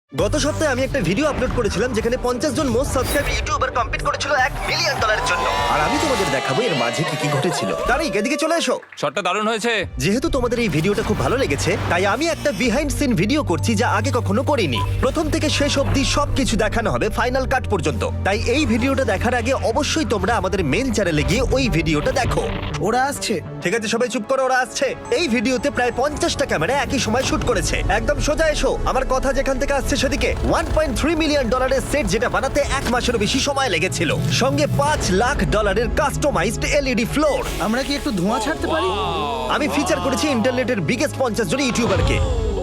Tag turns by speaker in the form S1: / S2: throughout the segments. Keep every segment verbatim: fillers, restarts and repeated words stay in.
S1: গত সপ্তাহে আমি একটা ভিডিও আপলোড করেছিলাম যেখানে পঞ্চাশ জন মোস্ট সাবস্ক্রাইব ইউটিউবার কম্পিট করেছিল এক মিলিয়ন ডলারের জন্য। আর আমি তোমাদের দেখাবো এর মাঝে কি কি ঘটেছিল। তারিক, এদিকে চলে এসো।
S2: শটটা দারুণ হয়েছে।
S1: যেহেতু তোমাদের এই ভিডিওটা খুব ভালো লেগেছে, তাই আমি একটা বিহাইন্ড সিন ভিডিও করছি যা আগে কখনো করিনি। প্রথম থেকে শেষ অবধি সবকিছু দেখানো হবে, ফাইনাল কাট পর্যন্ত। তাই এই ভিডিওটা দেখার আগে অবশ্যই তোমরা আমাদের মেন চ্যানেলে গিয়ে ওই ভিডিওটা দেখো।
S3: ওরা আসছে।
S1: ঠিক আছে, সবাই চুপ করো, ওরা আসছে। এই ভিডিওতে প্রায় পঞ্চাশটা ক্যামেরা একই সময় শুট করেছে। একদম সোজা এসো, আমার কথা যেখান থেকে আসছে সেদিকে। ওয়ান পয়েন্ট থ্রি মিলিয়ন ডলারের সেট, যেটা বানাতে এক মাসেরও বেশি সময় লেগেছিল, সঙ্গে পাঁচ লাখ ডলারের কাস্টমাইজড এলইডি ফ্লোর।
S3: আমরা কি একটু ধোঁয়া ছাড়তে পারি?
S1: আমি ফিচার করেছি ইন্টারনেটের বিগেস্ট পঞ্চাশ জন ইউটিউবারকে।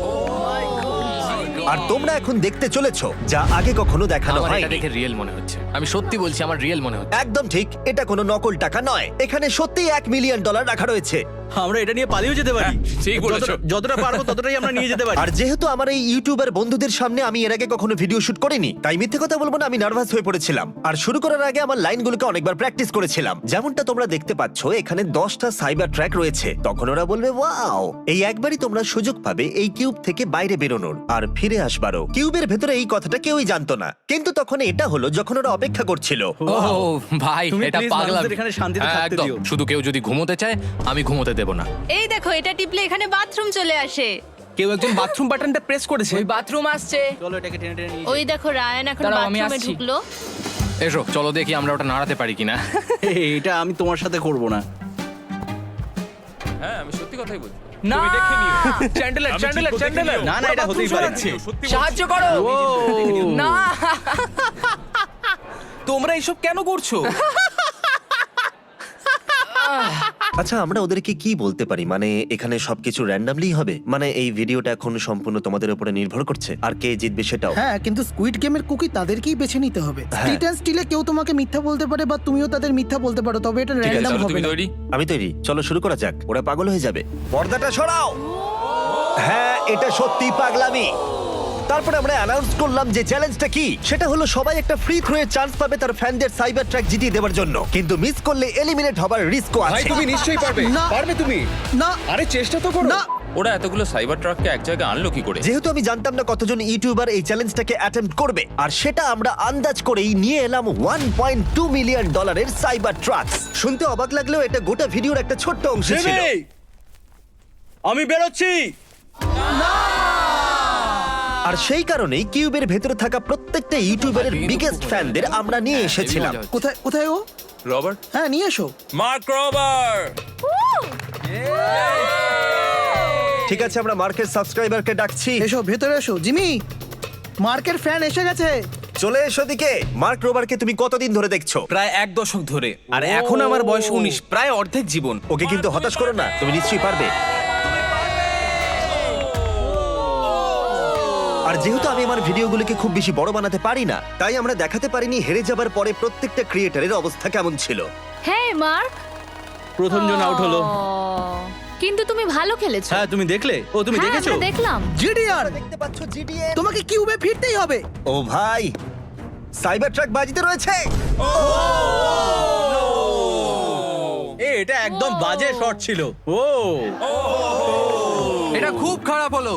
S1: আর তোমরা এখন দেখতে চলেছো যা আগে কখনো দেখানো
S2: আমার এটা
S1: হয়নি।
S2: দেখে রিয়েল মনে হচ্ছে। আমি সত্যি বলছি, আমার রিয়েল মনে হচ্ছে।
S1: একদম ঠিক, এটা কোনো নকল টাকা নয়। এখানে সত্যিই এক মিলিয়ন ডলার রাখা রয়েছে।
S4: আমরা এটা নিয়ে পালিয়েও যেতে পারি।
S2: হ্যাঁ, ঠিক বলেছো।
S4: যতটা- যতটা পারবো ততটাই আমরা নিয়ে যেতে পারি।
S1: আর যেহেতু আমার এই ইউটিউবার বন্ধুদের সামনে আমি এর আগে কখনো ভিডিও শুট করিনি, তাই মিথ্যে কথা বলবো না, আমি নার্ভাস হয়ে পড়েছিলাম। আর শুরু করার আগে আমার লাইনগুলোকে অনেকবার প্র্যাকটিস করেছিলাম। যেমনটা তোমরা দেখতে পাচ্ছ, এখানে দশটা সাইবার ট্র্যাক রয়েছে। তখন ওরা বলবে ওয়াও। এই একবারই তোমরা সুযোগ পাবে এই কিউব থেকে বাইরে বেরোনোর আর ফিরে আসবারও। কিউবের ভেতরে এই কথাটা কেউই জানতো না, কিন্তু তখন এটা হলো যখন ওরা অপেক্ষা করছিল।
S2: ও ভাই,
S4: তুমি
S2: এটা
S4: please
S2: পাগলামি।
S4: মানুষদের এখানে শান্তিতে
S2: হ্যাঁ,
S4: থাকতে
S2: একদম।
S4: দিও।
S2: শুধু কেউ যদি ঘুমোতে চায়, আমি ঘুমোতে দেব না।
S5: এই দেখো, এটা টিপলে এখানে বাথরুম চলে আসে।
S4: কেউ একজন বাথরুম বাটনটা প্রেস করেছে।
S6: ওই বাথরুম আসছে।
S4: চলো এটাকে টেনে টেনে নিয়ে
S5: ওই দেখো, রায়ান এখন
S6: দাঁড়াও, আমি
S5: বাথরুমে
S6: আসছি।
S5: ঢুকলো।
S2: এসো, চলো দেখি আমরা ওটা নাড়াতে পারি কিনা।
S4: যাই। এই, এটা আমি তোমার সাথে করব না।
S2: হ্যাঁ, আমি সত্যি কথাই বলছি।
S6: না
S2: চ্যান্ডেলার, চ্যান্ডেলার, চ্যান্ডেলার।
S4: না না, এটা হতেই পারে।
S6: সাহায্য করো।
S4: ও,
S6: না
S4: তোমরা এসব কেন করছো?
S1: আচ্ছা, আমরা ওদেরকে কি বলতে পারি? মানে এখানে সবকিছু র্যান্ডমলি হবে? মানে এই ভিডিওটা এখন সম্পূর্ণ তোমাদের উপরে নির্ভর করছে, আর কে জিতবে সেটাও।
S3: হ্যাঁ, কিন্তু স্কুইড গেমের কুকি তাদেরকেই বেছে নিতে হবে। স্ট্রিট অ্যান্ড স্টিলে কেউ তোমাকে মিথ্যা বলতে পারে বা তুমিও তাদের মিথ্যা বলতে পারো, তবে এটা
S1: ঠিক আছে,
S3: র্যান্ডম
S2: চলো,
S3: হবে
S2: তুমি
S3: না।
S2: তৈরি?
S1: আমি তৈরি, চলো শুরু করা যাক। ওরা পাগল হয়ে যাবে। পর্দাটা সরাও। হ্যাঁ, এটা সত্যি পাগলামি। তারপরে আমরা অ্যানাউন্স করলাম যে চ্যালেঞ্জটা কি। সেটা হলো সবাই একটা ফ্রি থ্রো এর চান্স পাবে তার ফ্যানদের সাইবার ট্র্যাক জিতিয়ে দেওয়ার জন্য, কিন্তু মিস করলে এলিমিনেট হবার রিস্কও
S7: ভাই
S1: আছে।
S7: তুমি নিশ্চয়ই পারবে।
S3: না।
S7: পারবে তুমি।
S3: না
S7: আরে চেষ্টা তো করো।
S3: না,
S2: ওরা এতগুলো সাইবার ট্রাককে এক জায়গায় আনলো কি করে?
S1: যেহেতু আমি জানতাম না কতজন ইউটিউবার এই চ্যালেঞ্জটাকে অ্যাটেম্প্ট করবে, আর সেটা আমরা আন্দাজ করেই নিয়ে এলাম ওয়ান পয়েন্ট টু মিলিয়ন ডলারের সাইবার ট্রাকস। শুনতে অবাক লাগলেও এটা গোটা ভিডিওর একটা ছোট্ট অংশ ছিল।
S4: জিমি! আমি বেরোচ্ছি।
S1: আর সেই কারণেই কিউবের ভেতরে থাকা প্রত্যেকটা ইউটিউবারের বিগেস্ট ফ্যানদের আমরা নিয়ে এসেছিলাম।
S2: হেভি মজা হচ্ছে।
S3: কোথায় কোথায় ও?
S2: রবার্ট,
S3: হ্যাঁ, নিয়ে এসো।
S2: Mark Robert.
S1: ঠিক আছে, আমরা মার্কের সাবস্ক্রাইবারকে ডাকছি।
S3: এসো, ভেতরে এসো। জিমি, মার্কের ফ্যান এসে গেছে।
S1: চলে এসো দিকে। মার্ক রোবারকে তুমি কতদিন ধরে দেখছো?
S4: প্রায় এক দশক ধরে। আর এখন আমার বয়স উনিশ, প্রায় অর্ধেক জীবন।
S1: ওকে কিন্তু হতাশ করো না, তুমি নিশ্চয়ই পারবে। আর যেহেতু আমি আমার ভিডিওগুলোকে খুব বেশি বড় বানাতে পারি না, তাই আমরা দেখাতে পারিনি হেরে যাবার পরে প্রত্যেকটা ক্রিয়েটারের অবস্থা কেমন ছিল।
S5: হ্যাঁ মার্ক,
S4: প্রথম জন আউট হলো।
S5: কিন্তু তুমি ভালো খেলেছো।
S4: হ্যাঁ, তুমি দেখলে? ও, তুমি
S5: হ্যাঁ,
S4: দেখেছো?
S5: আমরা দেখলাম।
S3: জিডিআর,
S1: দেখতে পাচ্ছ জিডিএ?
S3: তোমাকে কিউবে ফিরতেই হবে।
S1: ও ভাই, সাইবার ট্রাক বাজিতে রয়েছে।
S4: এ, এটা একদম বাজে শট ছিল। ও,
S6: এটা খুব খারাপ হলো।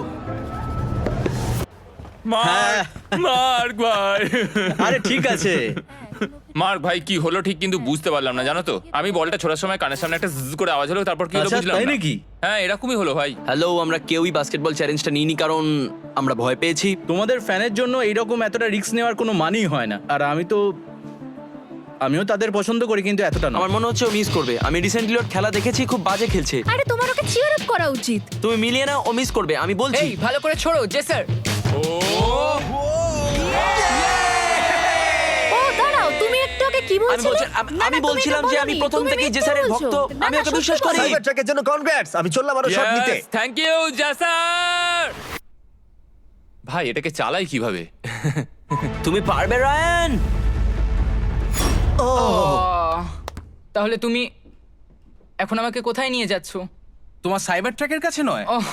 S4: হ্যাঁ।
S2: মার্ক ভাই।
S4: আরে ঠিক আছে।
S2: মার্ক ভাই, কি হলো ঠিক কিন্তু বুঝতে পারলাম না, জানো তো। আমি বলটা ছোড়ার সময় কানের সামনে একটা জ্জ করে আওয়াজ হলো, তারপর কি হলো
S4: আচ্ছা,
S2: বুঝলাম
S4: তাই
S2: না।
S4: নাকি?
S2: হ্যাঁ, এরকমই হলো ভাই।
S8: হ্যালো, আমরা কেউই বাস্কেটবল চ্যালেঞ্জটা নিইনি কারণ আমরা ভয় পেয়েছি।
S4: তোমাদের ফ্যানের জন্য এইরকম এতটা রিস্ক নেওয়ার কোনো মানেই হয় না। আর আমি তো আমিও তাদের পছন্দ করি, কিন্তু এতটা না।
S8: আমার মনে হচ্ছে ও মিস করবে। আমি রিসেন্টলি ওর খেলা দেখেছি, খুব বাজে খেলছে।
S5: আরে তোমার ওকে চিয়ার আপ করা উচিত।
S8: তুমি মিলিয়ে না, ও মিস করবে, আমি বলছি।
S6: এই ভালো করে ছোড়ো জেসার।
S5: ও দাঁড়াও, তুমি একটু ওকে কি
S8: আমি
S5: বলছিলে?
S8: বলছি- আমি-
S5: না, না,
S8: আমি
S5: তুমি
S8: বলছিলাম
S5: এটা
S8: যে আমি
S5: বলোনি।
S8: প্রথম
S5: তুমি
S8: থেকেই
S5: মিথ্যে
S8: জেসারের
S5: বলছো।
S8: ভক্ত।
S5: না,
S8: আমি
S5: না,
S8: ওকে
S5: সত্যি
S8: বিশ্বাস করি।
S5: বলো।
S1: সাইবার ট্রাকের জন্য কনগ্রাটস। আমি চললাম আরো শট নিতে।
S2: থ্যাংক ইউ জাসার। ভাই, এটাকে চালাই কিভাবে?
S8: তুমি পারবে রায়ান।
S6: আহ, তাহলে তুমি এখন আমাকে কোথায় নিয়ে যাচ্ছ?
S4: তোমার সাইবার ট্র্যাকের কাছে নয়।
S6: ওহ,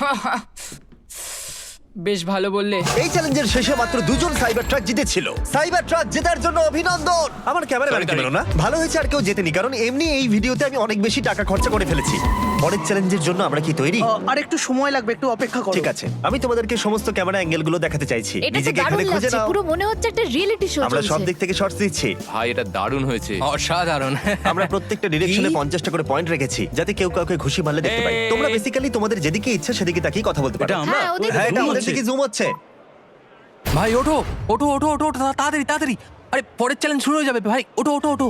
S6: বেশ ভালো বললে।
S1: এই চ্যালেঞ্জের শেষে মাত্র দুজন সাইবার ট্রাক জিতেছিল। সাইবার ট্রাক জেতার জন্য অভিনন্দন। আমার ক্যামেরাম্যান
S2: Sorry,
S1: পেল না, ভালো হয়েছে আর কেউ জেতেনি, কারণ এমনি এই ভিডিওতে আমি অনেক বেশি টাকা খরচা করে ফেলেছি। পরের চ্যালেঞ্জের জন্য আমরা কি তৈরি?
S3: আহ, আর একটু সময় লাগবে, একটু অপেক্ষা করো।
S1: ঠিক আছে, আমি তোমাদেরকে সমস্ত ক্যামেরা অ্যাঙ্গেল গুলো দেখাতে চাইছি।
S5: এটা তো
S1: নিজেকে
S5: দারুণ
S1: এখানে খুঁজে
S5: লাগছে,
S1: নাও।
S5: পুরো মনে হচ্ছে একটা রিয়েলিটি শো
S1: আমরা সব
S5: চলছে।
S1: দিক থেকে শর্টস দিচ্ছি।
S2: ভাই এটা দারুণ হয়েছে।
S8: অসাধারণ।
S1: আমরা প্রত্যেকটা ডিরেকশনে পঞ্চাশটা করে পয়েন্ট রেখেছি, যাতে কেউ কাউকে ঘুষি মারলে দেখতে পাই।
S2: এই।
S1: তোমরা বেসিক্যালি তোমাদের যেদিকে ইচ্ছা সেদিকে তাকিয়ে কথা বলতে পারো।
S4: এটা আমরা
S5: হ্যাঁ, ওদের
S1: হ্যাঁ, এটা
S5: zoom
S1: আমাদের
S5: হচ্ছে।
S1: দিকে জুম হচ্ছে।
S8: ভাই ওঠো ওঠো ওঠো ওঠো ওঠো, তাড়াতাড়ি তাড়াতাড়ি। আরে পরের চ্যালেঞ্জ শুরু হয়ে যাবে ভাই, ওঠো ওঠো ওঠো।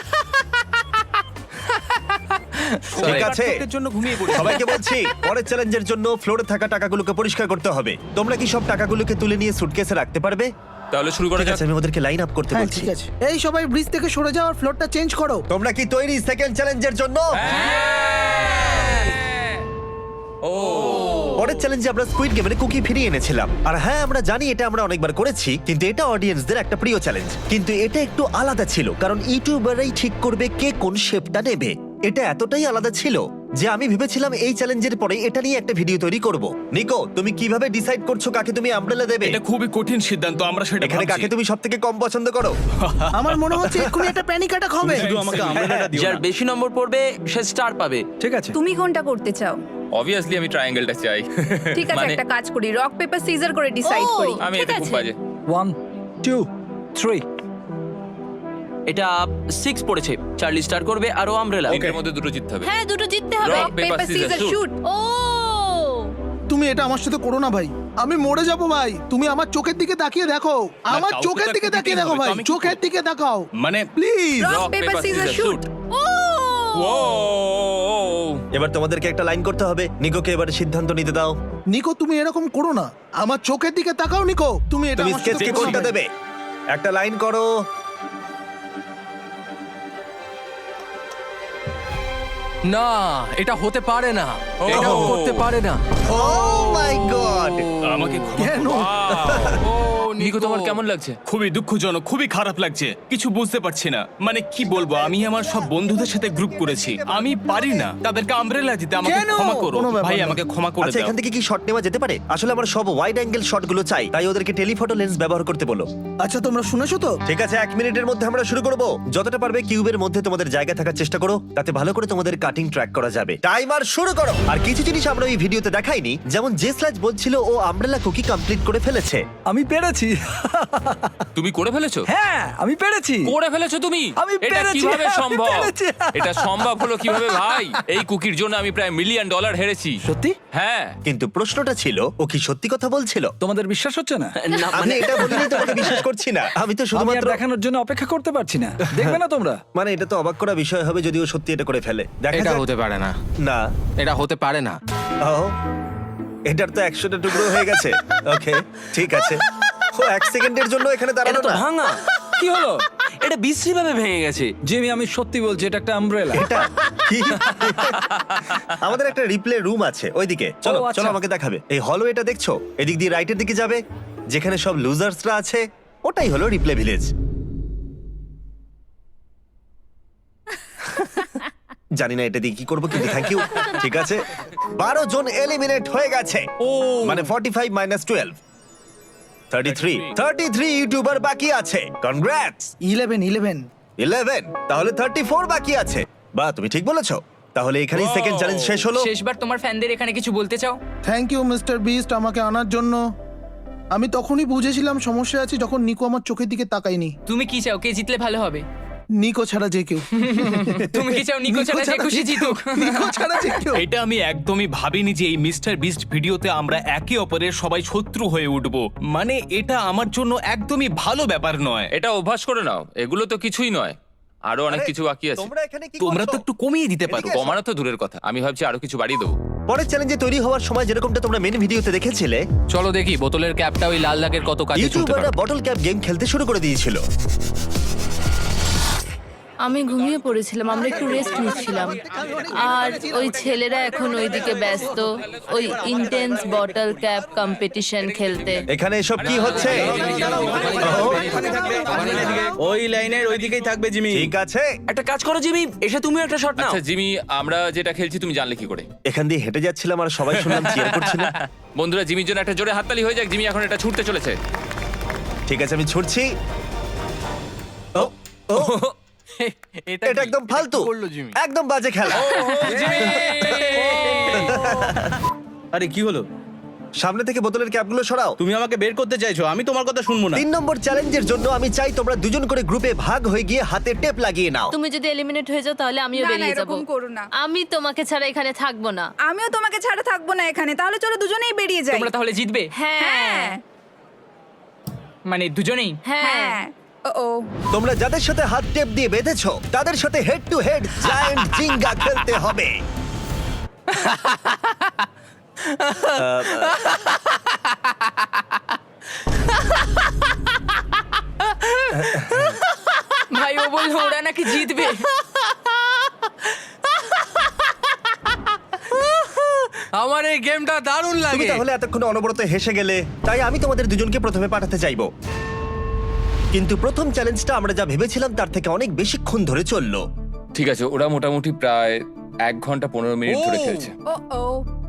S1: ঠিক আছে,
S4: জন্য ঘুমিয়ে পড়ি।
S1: সবাইকে বলছি পরের চ্যালেঞ্জের জন্য ফ্লোরে থাকা টাকাগুলোকে পরিষ্কার করতে হবে। তোমরা কি সব টাকাগুলোকে তুলে নিয়ে সুটকেসে রাখতে পারবে?
S2: তাহলে শুরু করা
S1: ঠিক
S2: যাক।
S1: আছে, আমি ওদেরকে লাইন আপ করতে
S3: হ্যাঁ
S1: বলছি।
S3: ঠিক আছে, এই সবাই ব্রিজ থেকে সরে যাও আর ফ্লোরটা চেঞ্জ করো।
S1: তোমরা কি তৈরি সেকেন্ড চ্যালেঞ্জের জন্য?
S2: ও
S1: পরের চ্যালেঞ্জে আমরা স্কুইড গেমের কুকি ফিরিয়ে এনেছিলাম। আর হ্যাঁ, আমরা জানি এটা আমরা অনেকবার করেছি, কিন্তু এটা অডিয়েন্সদের একটা প্রিয় চ্যালেঞ্জ। কিন্তু এটা একটু আলাদা ছিল, কারণ ইউটিউবাররাই ঠিক করবে কে কোন শেপটা নেবে। এটা এতটাই আলাদা ছিল যে আমি ভেবেছিলাম এই চ্যালেঞ্জের পরে এটা নিয়ে একটা ভিডিও তৈরি করব। নিকো, তুমি কিভাবে ডিসাইড করছো কাকে তুমি আমব্রেলা দেবে?
S7: এটা খুবই কঠিন সিদ্ধান্ত, আমরা সেটা
S1: এখানে
S7: ভাবছি।
S1: কাকে তুমি সবথেকে কম পছন্দ করো?
S3: আমার মনে হচ্ছে এক্ষুনি একটা প্যানিক অ্যাটাক হবে।
S4: শুধু আমাকে আমব্রেলাটা দিও
S8: যার
S4: না।
S8: বেশি নম্বর পড়বে সে স্টার পাবে।
S4: ঠিক আছে।
S9: তুমি কোনটা করতে চাও?
S2: অবভিয়াসলি আমি ট্রায়াঙ্গেলটা চাই।
S9: ঠিক আছে,
S2: মানে
S9: একটা কাজ করি, রক পেপার সিজার করে ডিসাইড
S5: ও,
S9: করি।
S2: আমি
S5: ঠিক
S2: এতে খুব
S5: আছে।
S2: বাজে।
S4: One two three.
S8: এটা সিক্স পড়েছে, চার্লি স্টার করবে আর ও আমব্রেলা।
S2: এর মধ্যে দুটো জিততে হবে।
S5: হ্যাঁ, দুটো জিততে হবে।
S2: Rock,
S9: rock paper
S2: paper,
S9: scissor
S2: scissors,
S9: shoot.
S5: ও
S3: তুমি এটা আমার সাথে করো না ভাই, আমি মরে যাব ভাই। তুমি আমার চোখের দিকে তাকিয়ে দেখো, আমার
S7: কাউকে
S3: চোখের
S7: তো
S3: দিকে
S7: একটা
S3: তাকিয়ে
S7: দিতেই
S3: দেখো
S7: হবে,
S3: ভাই,
S7: তো আমি কি
S3: চোখের দিকে তাকাও
S7: মানে
S3: please.
S9: Rock
S2: Rock,
S9: paper
S2: paper,
S9: scissor
S2: scissors,
S9: shoot.
S2: shoot.
S5: ও
S2: ও
S1: এবার তোমাদেরকে একটা লাইন করতে হবে। নিকোকে এবার সিদ্ধান্ত নিতে দাও।
S3: নিকো, তুমি এরকম করো না, আমার চোখের দিকে তাকাও। নিকো, তুমি এটা
S1: তুমি
S3: আমার সাথে
S1: স্কেচকে
S3: করো
S1: কোনটা
S3: না।
S1: দেবে? একটা লাইন করো।
S8: না, এটা হতে পারে না,
S2: এটা
S8: করতে পারে না।
S1: Oh my god!
S7: আমাকে ক্ষমা
S3: কেন?
S7: করো।
S2: ও নিকো, তোমার কেমন লাগছে?
S7: খুবই দুঃখজনক, খুবই খারাপ লাগছে, কিছু বুঝতে পারছি না। মানে কি বলবো, আমি আমার সব বন্ধুদের সাথে গ্রুপ করেছি, আমি পারি না তাদেরকে আমব্রেলা দিতে, আমাকে
S3: কেন?
S7: ক্ষমা করো
S3: কোনো ব্যাপার
S7: ভাই,
S3: না।
S7: আমাকে ক্ষমা করে
S1: আচ্ছা,
S7: দাও।
S1: এখান থেকে কি শট নেওয়া যেতে পারে? আসলে আমার সব ওয়াইড অ্যাঙ্গেল শটগুলো চাই, তাই ওদেরকে টেলিফটো লেন্স ব্যবহার করতে বলো।
S3: আচ্ছা, তোমরা শুনেছো তো?
S1: ঠিক আছে, এক মিনিটের মধ্যে আমরা শুরু করব। যতটা পারবে কিউবের মধ্যে তোমাদের জায়গা থাকার চেষ্টা করো, তাতে ভালো করে তোমাদের কাটিং ট্র্যাক করা যাবে। টাইমার শুরু করো। আর কিছু জিনিস আমরা এই ভিডিওতে দেখাইনি, যেমন যে স্ল্যাজ বলছিল ও আমব্রেলা কুকি কমপ্লিট করে ফেলেছে।
S4: আমি পেরেছি।
S2: তুমি করে ফেলেছো?
S4: হ্যাঁ, আমি পেরেছি।
S2: করে ফেলেছো তুমি?
S4: আমি
S2: এটা
S4: পেরেছি,
S2: কিভাবে
S4: আমি
S2: সম্ভব?
S4: পেরেছি।
S2: এটা সম্ভব হলো কিভাবে ভাই? এই কুকির জন্য আমি প্রায় মিলিয়ন ডলার হেরেছি।
S4: সত্যি?
S2: হ্যাঁ।
S1: কিন্তু প্রশ্নটা ছিল, ও কি সত্যি কথা বলছিল?
S4: তোমাদের বিশ্বাস হচ্ছে না?
S8: না
S1: আমি
S8: মানে
S1: এটা বলিনি তোমাকে বিশ্বাস করছি না, আমি তো
S4: আমি আর
S1: শুধুমাত্র
S4: দেখানোর জন্য অপেক্ষা করতে পারছি না। দেখবে না তোমরা?
S1: মানে এটা তো অবাক করা বিষয় হবে যদি ও সত্যি এটা করে ফেলে। দেখা
S8: এটা
S1: যাক।
S8: হতে পারে না,
S1: না,
S8: এটা হতে পারে না।
S1: ও এটার তো একশোটা টুকরো হয়ে গেছে। ওকে, ঠিক আছে। ও এক সেকেন্ডের জন্য এখানে
S8: এটা
S1: দাঁড়ানো
S8: তো
S1: না।
S8: ভাঙা,
S4: কি হলো?
S8: এটা বিশ্রী ভাবে ভেঙে গেছে।
S4: জিমি, আমি সত্যি বলছি, এটা একটা আমব্রেলা।
S1: এটা কি? আমাদের একটা রিপ্লে রুম আছে ওইদিকে, চলো
S4: ও, আচ্ছা।
S1: চলো আমাকে দেখাবে। এই হলো এটা দেখছো, এদিক দিয়ে রাইটের দিকে যাবে, যেখানে সব লুজার্সরা আছে, ওটাই হলো রিপ্লে ভিলেজ। জানি না এটা দিয়ে কি করবো, কিন্তু থ্যাংক ইউ। ঠিক আছে, বারো জন এলিমিনেট হয়ে গেছে।
S2: ও
S1: মানে forty five minus twelve, thirty three thirty three YouTuber বাকি আছে। কনগ্রাটস।
S3: ইলেভেন ইলেভেন
S1: ইলেভেন, তাহলে থার্টি ফোর বাকি আছে। বা তুমি ঠিক বলেছো। তাহলে এখানেই সেকেন্ড চ্যালেঞ্জ শেষ হলো।
S6: শেষবার তোমার ফ্যানদের এখানে কিছু বলতে চাও?
S3: থ্যাংক ইউ মিস্টার বিস্ট আমাকে আনার জন্য। আমি তখনই বুঝেছিলাম সমস্যা আছে যখন নিকো আমার চোখের দিকে তাকায়নি।
S6: তুমি কি চাও, কে জিতলে ভালো হবে?
S3: নিকো ছাড়া যে কেউ।
S6: তুমি কি চাও নিকো ছাড়া যে খুশি জিতুক?
S3: নিকো ছাড়া যে কেউ।
S7: এটা আমি একদমই ভাবিনি যে এই মিস্টার বিস্ট ভিডিওতে আমরা একে অপরের সবাই শত্রু হয়ে উঠব। মানে এটা আমার জন্য একদমই ভালো ব্যাপার নয়।
S2: এটা অভ্যাস করে নাও, এগুলো তো কিছুই নয়, আরো অনেক
S1: আরে,
S2: কিছু বাকি আছে।
S1: তোমরা এখানে কি
S7: তোমরা তো
S1: করছো?
S7: একটু কমিয়ে দিতে পারো।
S1: এদিকে
S2: কমানো তো দূরের কথা, আমি ভাবছি আরো কিছু বাড়িয়ে দেবো।
S1: পরের চ্যালেঞ্জে তৈরি হওয়ার সময় যেরকমটা তোমরা মেন ভিডিওতে দেখেছিলে,
S8: চলো দেখি বোতলের ক্যাপটা ওই লাল দাগের কত কাজে চলতে
S1: ইউটিউবাররা
S8: পারে।
S1: বটল ক্যাপ গেম খেলতে শুরু করে দিয়েছিল।
S5: আমি ঘুমিয়ে পড়েছিলাম, আমরা একটু রেস্ট নিচ্ছিলাম। আর ওই ছেলেরা এখন ওইদিকে ব্যস্ত ওই ইন্টেন্স বটল ক্যাপ কম্পিটিশন খেলতে।
S1: এখানে এসব কি হচ্ছে?
S4: ওই লাইনের ওই দিকেই থাকবে জিমি।
S1: ঠিক আছে,
S8: একটা কাজ করো জিমি, এসে তুমিও একটা শট নাও।
S2: আচ্ছা জিমি, আমরা যেটা খেলছি তুমি জানলে কি করে?
S1: এখান দিয়ে হেঁটে যাচ্ছিলাম আর সবাই শুনলাম চিয়ার করছিল।
S2: বন্ধুরা, জিমির জন্য একটা জোরে হাততালি হয়ে যাক। জিমি এখন এটা ছুটতে চলেছে।
S1: ঠিক আছে, আমি ছুটছি। ও, ও, এটা একদম ফালতু,
S8: করলো জিমি?
S1: একদম বাজে খেলা।
S2: জিমি!
S4: আরে কি হলো?
S1: সামনে থেকে বোতলের ক্যাপগুলো সরাও।
S4: তুমি আমাকে বের করতে চাইছো, আমি তোমার কথা শুনবো না।
S1: তিন নম্বর চ্যালেঞ্জের জন্য আমি চাই তোমরা দুজন করে গ্রুপে ভাগ হয়ে গিয়ে হাতে টেপ লাগিয়ে নাও।
S5: তুমি যদি এলিমিনেট হয়ে যাও তাহলে আমিও
S9: না, না,
S5: বেরিয়ে যাব
S9: এরকম করো না।
S5: আমি তোমাকে ছাড়া এখানে থাকবো না।
S9: আমিও তোমাকে ছাড়া থাকবো না এখানে, তাহলে চলো দুজনেই বেরিয়ে যাই।
S6: তোমরা তাহলে জিতবে?
S5: হ্যাঁ
S9: হ্যাঁ
S6: মানে দুজনেই?
S5: হ্যাঁ
S9: হ্যাঁ ও ও
S1: তোমরা যাদের সাথে হাত টেপ দিয়ে বেঁধেছো তাদের সাথে head to head giant Jenga খেলতে হবে।
S6: ভাই ও বললো ওরা নাকি জিতবে।
S8: আমার এই গেমটা দারুণ
S1: তুমি
S8: লাগে।
S1: তাহলে এতক্ষণ অনবরত হেসে গেলে, তাই আমি তোমাদের দুজনকে প্রথমে পাঠাতে চাইবো। কিন্তু প্রথম চ্যালেঞ্জটা আমরা যা ভেবেছিলাম তার থেকে অনেক বেশিক্ষণ ধরে চললো।
S2: ঠিক আছে, ওরা মোটামুটি প্রায় এক ঘন্টা পনেরো মিনিট ধরে
S8: ও!
S2: খেলছে।
S9: ও ও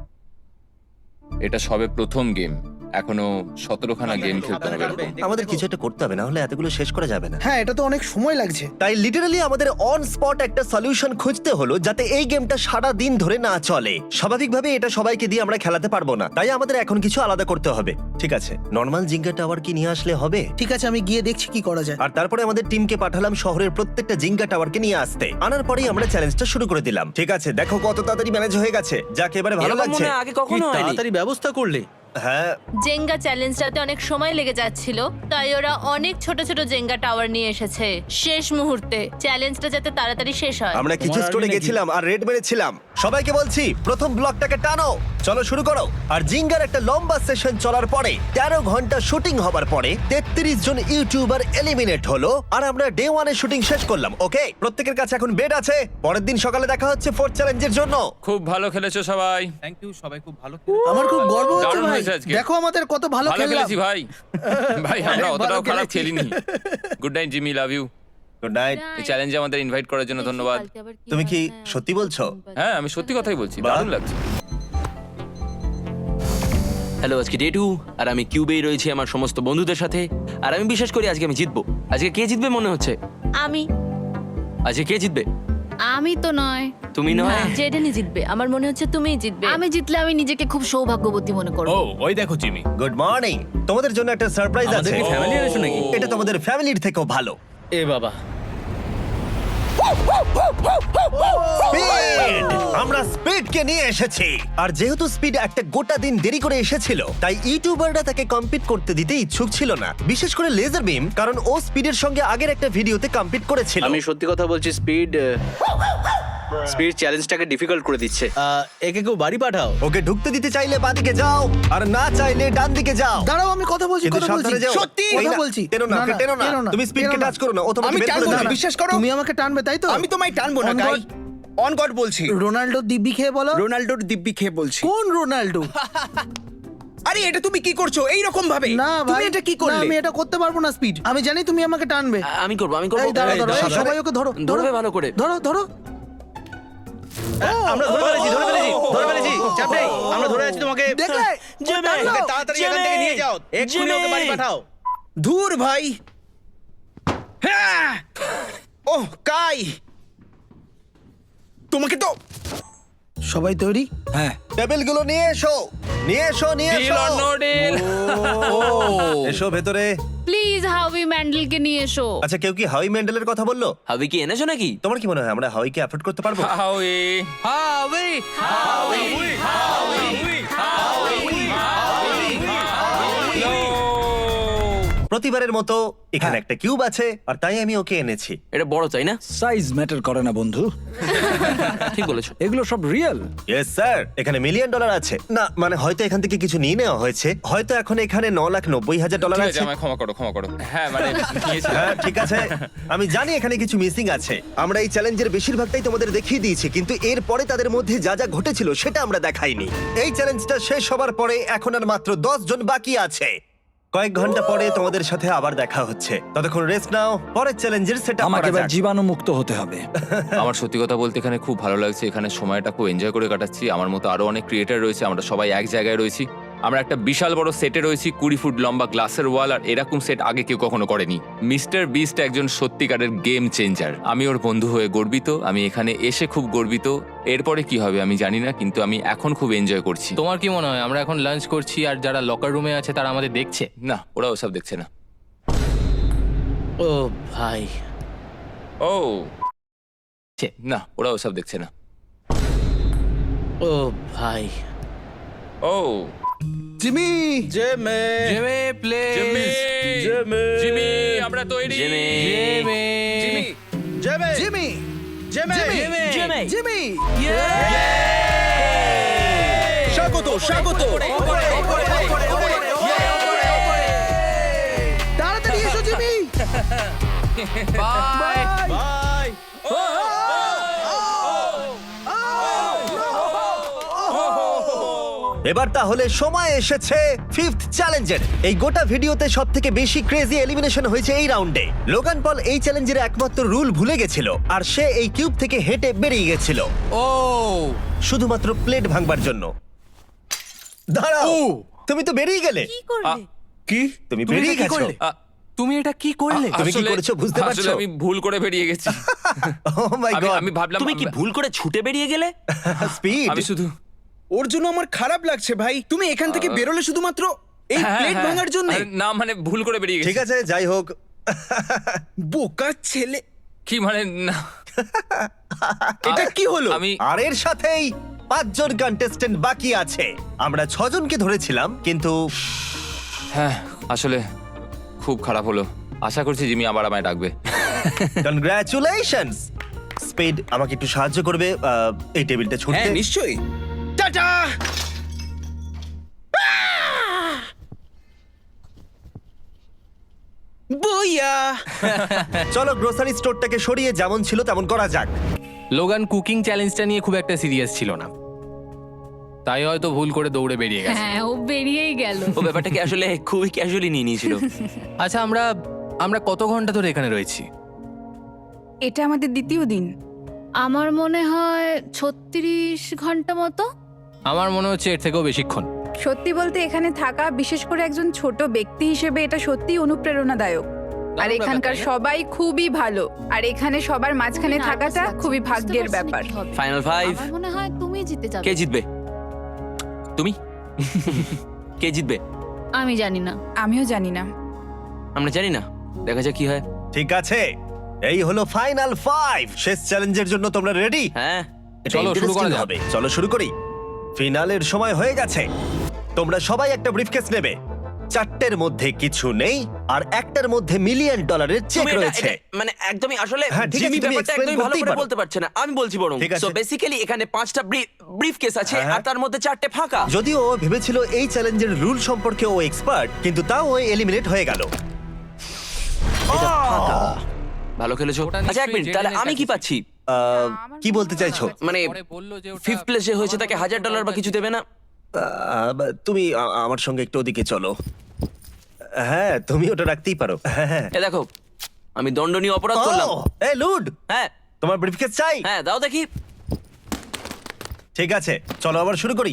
S2: এটা সবে প্রথম গেম, এখনো সতেরোখানা গেম খেলতে হবে এরকম।
S1: আমাদের কিছু একটা করতে হবে, না হলে এতগুলো শেষ করা যাবে না।
S3: হ্যাঁ এটা তো অনেক সময় লাগছে।
S1: তাই লিটারালি আমাদের অন স্পট একটা সলিউশন খুঁজতে হলো যাতে এই গেমটা সারা দিন ধরে না চলে। স্বাভাবিকভাবে এটা সবাইকে দিয়ে আমরা খেলাতে পারবো না, তাই আমাদের এখন কিছু আলাদা করতে হবে। ঠিক আছে, নর্মাল জিঙ্গা টাওয়ার কি নিয়ে আসলে হবে?
S3: ঠিক আছে আমি গিয়ে দেখছি কি করা যায়।
S1: আর তারপরে আমাদের টিমকে পাঠালাম শহরের প্রত্যেকটা জিঙ্গা টাওয়ারকে নিয়ে আসতে। আনার পরেই আমরা চ্যালেঞ্জটা শুরু করে দিলাম। ঠিক আছে, দেখো কত তাড়াতাড়ি ম্যানেজ হয়ে গেছে, যাকে এবারে ভালো লাগছে।
S8: আগে
S4: কি তাড়াতাড়ি ব্যবস্থা করলে।
S1: হ্যাঁ,
S5: জেঙ্গা চ্যালেঞ্জটাতে অনেক সময় লেগে যাচ্ছিল, তাই ওরা অনেক ছোট ছোট জেঙ্গা টাওয়ার নিয়ে এসেছে শেষ মুহূর্তে, চ্যালেঞ্জটা যাতে তাড়াতাড়ি শেষ হয়।
S1: আমরা কিছু
S4: তোমার
S1: স্টোরে
S4: আগে নাকি?
S1: গেছিলাম আর রেড মেরেছিলাম। সবাইকে বলছি প্রথম ব্লকটাকে টানো, চলো শুরু করো। আর জিঙ্গার একটা লম্বা সেশন চলার পরে তেরো ঘন্টা শুটিং হবার পরে তেত্রিশ জন ইউটিউবার এলিমিনেট হলো আর আমরা ডে ওয়ানের শুটিং শেষ করলাম। ওকে, প্রত্যেকের কাছে এখন বেড আছে। পরের দিন সকালে দেখা হচ্ছে ফোর্থ চ্যালেঞ্জের জন্য।
S2: খুব ভালো খেলেছো সবাই,
S7: থ্যাংক ইউ, সবাই খুব ভালো।
S3: আমার খুব গর্ব হচ্ছে
S2: দারুণ
S3: ভাই,
S2: হয়েছে আজকে।
S3: দেখো আমাদের কত ভালো
S2: ভালো
S3: খেললাম।
S2: খেলেছি ভাই। ভাই আমরা
S3: ভালো
S2: অতটাও খারাপ
S3: খেলেছি।
S2: খেলিনি। Good night Jimmy, love you.
S1: Good night.
S2: এই চ্যালেঞ্জে আমাদের ইনভাইট করার জন্য ধন্যবাদ।
S1: তুমি কি সত্যি বলছো?
S2: হ্যাঁ, আমি সত্যি কথাই বলছি,
S1: বাহ।
S2: দারুণ লাগছে।
S10: হ্যালো, আজকে ডে টু আর আমি কিউবেই রয়েছি আমার সমস্ত বন্ধুদের সাথে। আর আমি বিশ্বাস করি আজকে আমি জিতবো। আজকে কে জিতবে মনে হচ্ছে?
S5: আমি
S10: আজকে কে জিতবে?
S5: আমি তো নয়,
S10: তুমি নয়?
S5: জেডেনই জিতবে। আমার মনে হচ্ছে তুমিই জিতবে।
S11: আমি জিতলে আমি নিজেকে খুব সৌভাগ্যবতী মনে করব।
S7: ও ওই দেখো জিমি।
S1: গুড মর্নিং, তোমাদের জন্য একটা সারপ্রাইজ
S4: আমাদের
S1: আছে।
S4: কি ফ্যামিলি এনেছো নাকি?
S1: এটা তোমাদের ফ্যামিলির থেকেও ভালো।
S4: এ বাবা,
S1: স্পিড! আমরা স্পিডকে নিয়ে এসেছি। আর যেহেতু স্পিড একটা গোটা দিন দেরি করে এসেছিল, তাই ইউটিউবাররা তাকে কম্পিট করতে দিতে ইচ্ছুক ছিল না, বিশেষ করে লেজার বিম, কারণ ও স্পিডের সঙ্গে আগের একটা ভিডিওতে কম্পিট করেছিল।
S10: আমি সত্যি কথা বলছি, স্পিড স্পিড চ্যালেঞ্জটাকে ডিফিকাল্ট করে দিচ্ছে।
S4: আহ, একে কেউ বাড়ি পাঠাও।
S1: ওকে ঢুকতে দিতে চাইলে বাদিকে যাও, আর না চাইলে ডান দিকে যাও।
S3: দাঁড়াও আমি কথা বলছি,
S1: কিন্তু
S3: কথা বলছি,
S1: সাবধানে যাও।
S3: সত্যি
S1: ওই
S3: কথা
S1: না,
S3: বলছি।
S1: টেনো না,
S3: না,
S1: ওকে
S3: না,
S1: টেনো না।
S3: টেনো না,
S1: তুমি স্পিডকে
S3: টেনো না।
S1: টাচ করো না, ও তোমাকে
S3: আমি
S1: বের করে
S3: টানবো না,
S1: দেবে।
S3: বিশ্বাস করো। তুমি আমাকে টানবে তাই তো?
S12: আমি তোমায় টানবো না
S3: On
S12: guy,
S3: God।
S12: On god বলছি।
S3: রোনাল্ডো দিব্যি খেয়ে বলো।
S12: রোনাল্ডোর দিব্যি খেয়ে বলছি।
S3: কোন রোনাল্ডো?
S12: আরে এটা তুমি কি করছো এই রকম ভাবে?
S3: না
S12: তুমি
S3: ভাই,
S12: এটা কি
S3: না,
S12: করলে?
S3: আমি এটা করতে পারবো না স্পিড। আমি জানি তুমি আমাকে টানবে।
S10: আমি করবো, আমি করবো।
S3: এই দাঁড়াও
S10: এই,
S3: দাঁড়াও, এই,
S10: সাবধানে।
S3: সবাই ওকে ধরো, ধরো
S10: ধরবে ভালো করে।
S3: ধরো ধরো।
S4: আমরা ধরে ফেলেছি, ধরে ফেলেছি, ধরে ফেলেছি। চাপ নেই, আমরা ধরে আছি তোমাকে।
S3: দেখলে?
S4: জিমি,
S3: টানলো।
S4: ওকে তাড়াতাড়ি এখান থেকে নিয়ে যাও। এক্ষুনি ওকে বাড়ি পাঠাও।
S12: ধুর ভাই। হ্যাঁ! ওহ কাই, তোমাকে তো
S3: সবাই তৈরি?
S12: হ্যাঁ
S1: টেবিলগুলো নিয়ে এসো, নিয়ে এসো, নিয়ে
S2: ডিল
S1: এসো।
S2: Or no deal?
S1: এসো ভেতরে।
S11: প্লিজ হাউই ম্যান্ডেলকে নিয়ে এসো।
S1: আচ্ছা, কেউ কি হাউই মেন্ডেলের কথা বললো?
S10: হাবি কি এনেছো নাকি?
S1: তোমার কি মনে হয় আমরা হাউইকে অ্যাফোর্ড করতে পারবো?
S2: হাউই
S8: হাওই
S1: প্রতিবারের মতো এখানে একটা কিউব আছে, আর তাই আমি ওকে এনেছি।
S10: এটা বড় চাই না?
S12: সাইজ ম্যাটার করে না বন্ধু,
S10: ঠিক বলেছো।
S12: এগুলো সব রিয়েল।
S1: ইয়েস স্যার, এখানে মিলিয়ন ডলার আছে। না মানে হয়তো এখান থেকে কিছু নিয়ে নেওয়া হয়েছে, হয়তো এখন এখানে ন লাখ নব্বই হাজার ডলার
S2: ঠিক
S1: আছে।
S2: আছে, আমায় ক্ষমা করো, ক্ষমা করো। হ্যাঁ মানে নিয়েছিলাম।
S1: হ্যাঁ ঠিক আছে, আমি জানি এখানে কিছু মিসিং আছে। আমরা এই চ্যালেঞ্জের বেশিরভাগটাই তোমাদের দেখিয়ে দিয়েছি, কিন্তু এরপরে তাদের মধ্যে যা যা ঘটেছিল সেটা আমরা দেখাইনি। এই চ্যালেঞ্জটা শেষ হবার পরে এখন আর মাত্র দশ জন বাকি আছে। কয়েক ঘন্টা পরে তোমাদের সাথে আবার দেখা হচ্ছে, ততক্ষণ রেস্ট নাও, পরের চ্যালেঞ্জের সেটা
S12: আমাকে এবার জীবাণু মুক্ত হতে হবে।
S2: আমার সত্যি কথা বলতে এখানে খুব ভালো লাগছে, এখানে সময়টা খুব এনজয় করে কাটাচ্ছি। আমার মতো আরো অনেক ক্রিয়েটার রয়েছে, আমরা সবাই এক জায়গায় রয়েছি। আমরা একটা বিশাল বড় সেটে রয়েছি, কুড়ি ফুট লম্বা গ্লাসের ওয়াল, আর এরকম সেট আগে কেউ কখনো করেনি। মিস্টার বিস্ট একজন সত্যিকারের গেম চেঞ্জার। আমি ওর বন্ধু হয়ে গর্বিত, আমি এখানে এসে খুব গর্বিত। এরপরে কি হবে আমি জানি না, কিন্তু আমি এখন খুব এনজয় করছি।
S8: তোমার কি মনে হয় আমরা এখন লাঞ্চ করছি আর যারা লকার রুমে আছে তারা আমাদের দেখছে?
S2: না, ওরা ওসব দেখছে না।
S4: ও ভাই,
S2: ও না, ওরা ওসব দেখছে না।
S4: ও ভাই,
S2: ও
S3: জিমি
S4: জেমে
S8: জেমে প্লে
S2: জিমি
S4: জেমে
S2: জিমি আমরা তৈরি।
S10: জেমে
S8: জেমে
S2: জিমি
S4: জেমে
S3: জিমি
S4: জেমে
S10: জেমে
S3: জিমি
S12: স্বাগত স্বাগত
S3: তাড়াতাড়ি এসো জিমি
S8: বাই
S4: বাই।
S1: এবার তাহলে সময় এসেছে ফিফথ চ্যালেঞ্জের। এই গোটা ভিডিওতে সব থেকে বেশি ক্রেজি এলিমিনেশন হয়েছে এই রাউন্ডে। লোগান পল এই চ্যালেঞ্জের একমাত্র রুল ভুলে গেছিল, আর সে এই কিউব থেকে হেঁটে বেরিয়ে গেছিল
S8: ও
S1: শুধুমাত্র প্লেট ভাঙবার জন্য। দাঁড়াও, তুমি তো বেরিয়ে গেলে।
S4: কি
S1: তুমি
S8: তুমি
S1: বেরিয়ে
S8: এটা কি
S1: গেছো।
S8: করলে? তুমি এটা কি করলে?
S1: তুমি কি
S2: আসলে-
S1: করেছো বুঝতে
S2: আসলে
S1: পারছো?
S2: আমি ভুল করে বেরিয়ে গেছি।
S1: Oh my
S2: আমি-
S1: God!
S2: আমি ভাবলাম
S10: তুমি কি ভুল করে ছুটে বেরিয়ে গেলে?
S1: স্পিড।
S2: আমি শুধু
S12: ওর জন্য আমার খারাপ লাগছে ভাই। তুমি এখান থেকে বেরোলে শুধুমাত্র এই
S2: হ্যাঁ,
S12: প্লেট
S2: হ্যাঁ।
S12: ভাঙার জন্য।
S2: আরে না, মানে ভুল করে বেরিয়ে গেছি।
S1: ঠিক আছে, যাই হোক।
S12: বোকা ছেলে,
S2: কি মানে না,
S12: এটা কি হলো?
S2: আমি
S1: আর এর সাথেই পাঁচজন কন্টেস্টেন্ট বাকি আছে। আমরা ছজনকে ধরেছিলাম, কিন্তু
S2: হ্যাঁ আসলে খুব খারাপ হলো। আশা করছি জিমি আবার আমায় ডাকবে।
S1: কনগ্রাচুলেশনস। স্পিড, আমাকে একটু সাহায্য করবে আহ, এই টেবিলটা
S12: হ্যাঁ
S1: ছুটতে?
S12: নিশ্চয়ই। টাটা। বইয়া।
S1: চলো গ্রোসারি স্টোরটাকে সরিয়ে যেমন ছিল তেমন করা যাক।
S8: লোগান কুকিং চ্যালেঞ্জটা নিয়ে খুব একটা সিরিয়াস ছিল না, তাই হয়তো ভুল করে দৌড়ে বেরিয়ে গেছে।
S11: হ্যাঁ ও বেরিয়েই গেল।
S10: ও ব্যাপারটাকে আসলে খুবই ক্যাজুয়ালি নিয়ে নিয়েছিল।
S8: আচ্ছা, আমরা আমরা কত ঘন্টা ধরে এখানে রয়েছি?
S9: এটা আমাদের দ্বিতীয় দিন।
S11: আমার মনে হয় ছত্রিশ ঘন্টা মতো।
S8: আমার মনে হচ্ছে এর থেকেও বেশিক্ষণ।
S9: সত্যি বলতে এখানে থাকা, বিশেষ করে একজন ছোট ব্যক্তি হিসেবে, এটা সত্যি অনুপ্রেরণাদায়ক। আর
S8: ব্যাপার,
S9: এখানকার
S8: তাই না?
S9: সবাই খুবই ভালো, আর এখানে সবার মাঝখানে
S11: খুবই
S9: থাকাটা
S11: nervous
S9: খুবই
S11: লাগছে,
S9: ভাগ্যের
S11: বুঝতে পারছি না
S9: ব্যাপার।
S11: কি হবে।
S10: ফাইনাল ফাইভ,
S11: আমার মনে হয় তুমি জিতে যাবে।
S10: কে জিতবে? তুমি? কে জিতবে?
S11: আমি জানি না।
S9: আমিও জানি না।
S10: আমরা জানি না, দেখা যাক কি হয়।
S1: ঠিক আছে, এই হলো ফাইনাল ফাইভ। শেষ চ্যালেঞ্জের জন্য তোমরা রেডি?
S10: হ্যাঁ,
S8: চলো শুরু করা যাক।
S1: হবে। চলো শুরু করি। ফিনালের সময় হয়ে গেছে। তোমরা সবাই একটা ব্রিফকেস নেবে। চারটের মধ্যে কিছু নেই, আর একটার মধ্যে মিলিয়ন ডলারের চেক
S10: তুমি এটা-
S1: রয়েছে।
S10: এটা- মানে একদমই আসলে
S1: হ্যাঁ, ঠিক আছে,
S10: জিমি
S1: তুমি
S10: ব্যাপারটা
S1: explain
S10: একদমই ভালো
S1: করতেই
S10: করে
S1: পারো।
S10: বলতে পারছে না, আমি বলছি বরং।
S1: ঠিক আছে।
S10: সো বেসিক্যালি এখানে পাঁচটা ব্রিফ কেস আছে,
S1: হ্যাঁ।
S10: আর তার মধ্যে চারটে ফাঁকা।
S1: যদিও ও ভেবেছিল এই চ্যালেঞ্জের রুল সম্পর্কে ও এক্সপার্ট, কিন্তু তাও ও এলিমিনেট হয়ে গেল।
S10: ভালো খেলেছো।
S8: ওটা
S10: আচ্ছা এক
S8: নিশ্চয়ই
S10: মিনিট, তাহলে
S8: জেডেনের
S10: আমি কি
S8: কাছে
S10: পাচ্ছি?
S1: আহ, কি বলতে চাইছো?
S10: মানে
S8: পরে বললো যে ওটা-
S10: ফিফথ প্লেসে হয়েছে তাকে হাজার ডলার বা কিছু দেবে না?
S1: আহ, তুমি আ- আমার সঙ্গে একটু ওদিকে চলো। হ্যাঁ, তুমি ওটা রাখতেই পারো। হ্যাঁ।
S10: এ দেখো, আমি দণ্ডনীয় অপরাধ করলাম।
S1: ও, এই লুড,
S10: হ্যাঁ
S1: তোমার ব্রিফকেস চাই?
S10: হ্যাঁ দাও দেখি।
S1: ঠিক আছে, চলো আবার শুরু করি।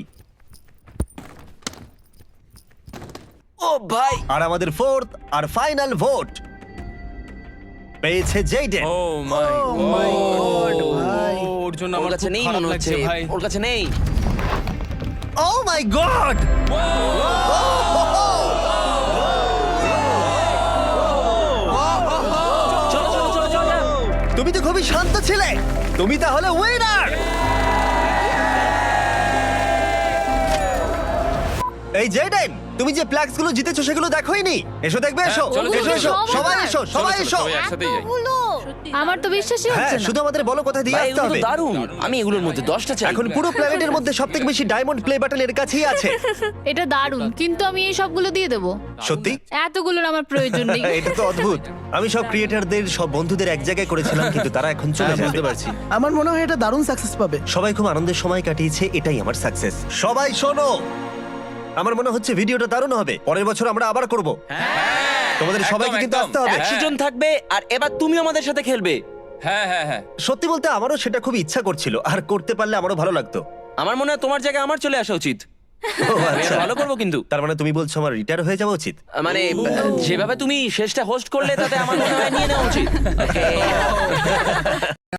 S10: ও ভাই,
S1: আর আমাদের ফোর্থ আর ফাইনাল ভোট পেয়েছে জেইডেন।
S2: Oh my god.
S8: ওর জন্য
S10: ওর
S8: আমার
S10: কাছে
S8: খুব
S10: নেই
S8: খারাপ
S10: মনে
S8: লাগছে
S10: হচ্ছে,
S8: ভাই।
S10: ওর কাছে নেই।
S1: Oh my god!
S10: চলো চলো চলো চলো যাও।
S1: তুমি তো খুবই শান্ত ছিলে। তুমি তাহলে উইনার। এই জেডেন, তুমি যে প্লাক্স গুলো জিতেছো সেগুলো দেখোইনি? এসো দেখবে, এসো
S2: চলো,
S1: এসো
S2: চলো,
S1: এসো,
S2: চলো।
S1: সবাই এসো,
S2: চলো,
S1: সবাই
S2: চলো,
S1: এসো।
S2: সবাই একসাথেই যাই।
S11: আমার তো বিশ্বাসই
S1: হ্যাঁ,
S11: হচ্ছে না।
S1: শুধু আমাদের বলো কোথায় দিয়ে
S10: ভাই
S1: আসতে
S10: এগুলো তো
S1: হবে।
S10: দারুণ, আমি এগুলোর মধ্যে দশটা চাই।
S1: এখন পুরো প্ল্যানেটের মধ্যে সবথেকে বেশি ডায়মন্ড প্লে বাটন এর কাছেই আছে।
S11: এটা দারুণ, কিন্তু আমি এই সবগুলো দিয়ে দেবো।
S1: সত্যি?
S11: এতগুলোর আমার প্রয়োজন নেই।
S1: এটা তো অদ্ভুত। আমি সব ক্রিয়েটারদের, সব বন্ধুদের এক জায়গায় করেছিলাম, কিন্তু তারা এখন চলে
S4: হ্যাঁ,
S1: যাবে।
S4: বুঝতে পারছি।
S3: আমার মনে হয় এটা দারুণ সাকসেস পাবে।
S1: সবাই খুব আনন্দের সময় কাটিয়েছে, এটাই আমার সাকসেস। সবাই শোনো, আমার মনে হচ্ছে ভিডিওটা দারুণ হবে। পরের বছর আমরা আবার করব। তোমাদের
S2: একদম,
S1: সবাইকে কিন্তু
S2: একদম।
S1: আসতে হবে।
S10: একশো জন থাকবে, আর এবার তুমি আমাদের সাথে খেলবে।
S2: হ্যাঁ হ্যাঁ হ্যাঁ।
S1: সত্যি বলতে আমারও সেটা খুব ইচ্ছা করছিল, আর করতে পারলে আমারও ভালো লাগতো।
S10: আমার মনে হয় তোমার জায়গায় আমার চলে আসা উচিত।
S1: ও,
S10: আমি
S1: আচ্ছা।
S10: আরো ভালো করবো কিন্তু
S1: তার মানে তুমি বলছো আমার রিটায়ার হয়ে যাওয়া উচিত?
S10: মানে যেভাবে তুমি শেষটা হোস্ট করলে তাতে আমার মনে হয় নিয়ে নেওয়া উচিত